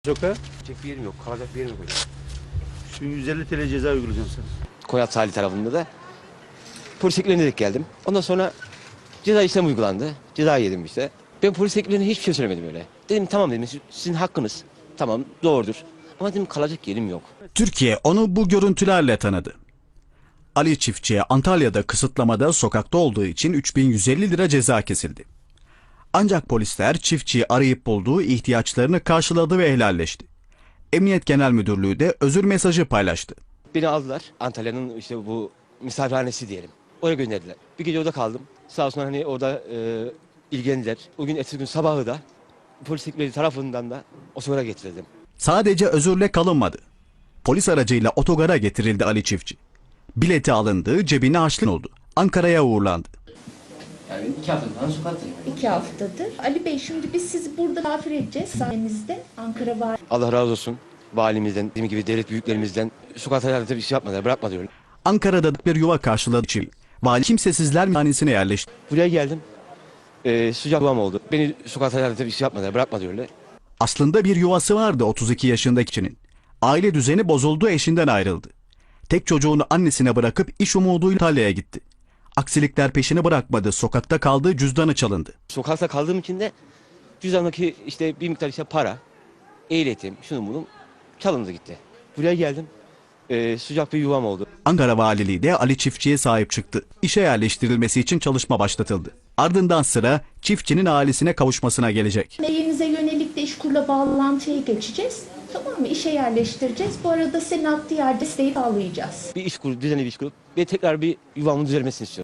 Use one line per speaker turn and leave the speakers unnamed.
Sokağa
Çek bir yerim yok, kalacak bir yerim yok.
şu 150 TL ceza uygulayacağım sana.
Koyat sahili tarafında da polis ekiplerine denk geldim. Ondan sonra ceza işlemi uygulandı. Ceza yedim işte. Ben polis ekiplerine hiçbir şey söylemedim öyle. Dedim tamam dedim sizin hakkınız. Tamam doğrudur. Ama dedim kalacak yerim yok.
Türkiye onu bu görüntülerle tanıdı. Ali Çiftçi'ye Antalya'da kısıtlamada sokakta olduğu için 3150 lira ceza kesildi. Ancak polisler çiftçiyi arayıp bulduğu ihtiyaçlarını karşıladı ve helalleşti. Emniyet Genel Müdürlüğü de özür mesajı paylaştı.
Beni aldılar. Antalya'nın işte bu misafirhanesi diyelim. Oraya gönderdiler. Bir gece orada kaldım. Sağ olsunlar hani orada ilgilendiler. O gün ertesi gün sabahı da polis ekipleri tarafından da otogara getirildim.
Sadece özürle kalınmadı. Polis aracıyla otogara getirildi Ali Çiftçi. Bileti alındı, cebine harçlık oldu. Ankara'ya uğurlandı.
Yani 2 hafta falan sokaktayım.
2 haftadır. Ali Bey, şimdi biz sizi burada misafir edeceğiz sayenizde. Ankara var.
Allah razı olsun valimizden, dediğim gibi devlet büyüklerimizden sokakta bir şey yapmadılar, bırakmadılar.
Ankara'da bir yuva karşıladı Çiftçi. Vali kimsesizler hanesine yerleşti.
Buraya geldim. Sıcak yuvam oldu. Beni sokakta bir şey yapmadılar, bırakmadılar.
Aslında bir yuvası vardı 32 yaşındaki kişinin. Aile düzeni bozuldu, eşinden ayrıldı. Tek çocuğunu annesine bırakıp iş umuduyla Antalya'ya gitti. Aksilikler peşini bırakmadı, sokakta kaldı, cüzdanı çalındı.
Sokakta kaldığım için de cüzdandaki işte bir miktar işte para, ehliyetim, şunun bunun çalındı gitti. Buraya geldim. Sıcak bir yuvam oldu.
Ankara Valiliği de Ali Çiftçi'ye sahip çıktı. İşe yerleştirilmesi için çalışma başlatıldı. Ardından sıra çiftçinin ailesine kavuşmasına gelecek.
Meyenize yönelik de İşkur'la bağlantıya geçeceğiz. Tamam mı? İşe yerleştireceğiz. Bu arada senin adli yer desteği sağlayacağız.
Bir iş kurup, düzenli bir iş kurup ve tekrar bir yuvamın düzelmesini istiyorum.